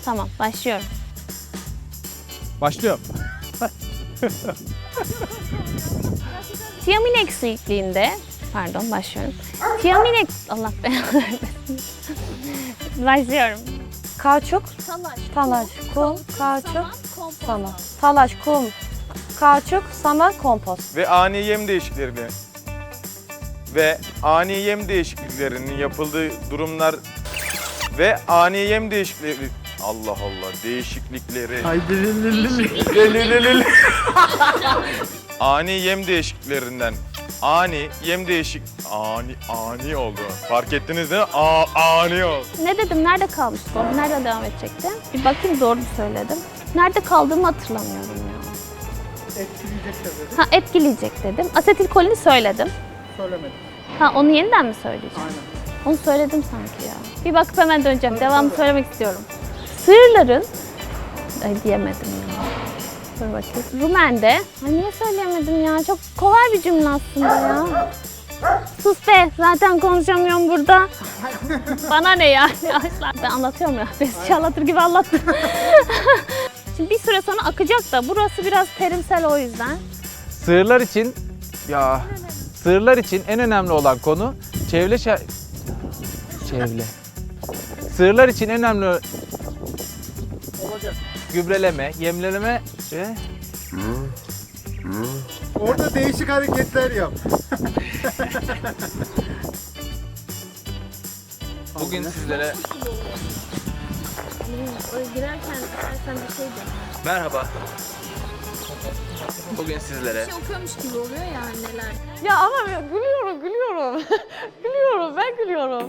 Tamam, başlıyorum. Başlıyorum. Tiamin eksikliğinde, pardon başlıyorum. Tiamin Allah belanı vermesin. Başlıyorum. Kauçuk, talaş, kum, kauçuk, saman. Talaş, kum, kauçuk, saman, kompost. Ve ani yem değişikliklerinin yapıldığı durumlar ve ani yem değişiklikleri Allah Allah değişiklikleri ani yem değişikliklerinden ani oldu. Fark ettiniz değil mi? Ani oldu. Ne dedim, nerede kalmıştık o? Nerede devam edecekti? Bir bakayım doğru mu söyledim. Nerede kaldığımı hatırlamıyorum ya. Etkileyecek tabii. Ha, etkileyecek dedim. Asetilkolini söyledim. Söylemedim. Ha, onu yeniden mi söyleyeceğim? Aynen. Onu söyledim sanki ya. Bir bakıp hemen döneceğim. Devamını söylemek istiyorum. Sığırların... Ay diyemedim ya. Dur bakayım. Rumen'de... Ay niye söyleyemedim ya? Çok kolay bir cümle aslında ya. Sus be! Zaten konuşamıyorum burada. Bana ne yani? Ben anlatıyorum ya. Besçi anlatır gibi anlattım. Şimdi bir süre sonra akacak da burası biraz terimsel o yüzden. Sığırlar için en önemli olan konu çevre. Sığırlar için en önemli gübreleme, yemleme ve Orada değişik hareketler yap. bugün sizlere Girerken istersen bir şey de. merhaba. Bugün sizlere Okuyormuş gibi oluyor ya neler. Ya ama gülüyorum. Gülüyorum, ben gülüyorum.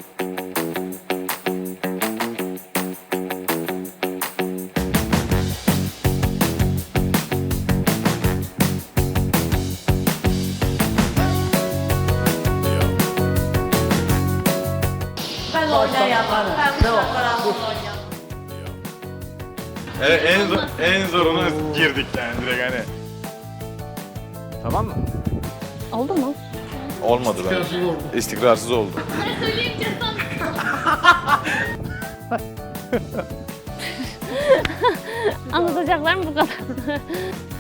Ben oynayamam. Ben bu şarkılarla oynayamam. Evet en zoruna girdik yani direkt hani. tamam mı? Oldu mu? Olmadı ben. İstikrarsız oldu. Anlatacaklarım bu kadar.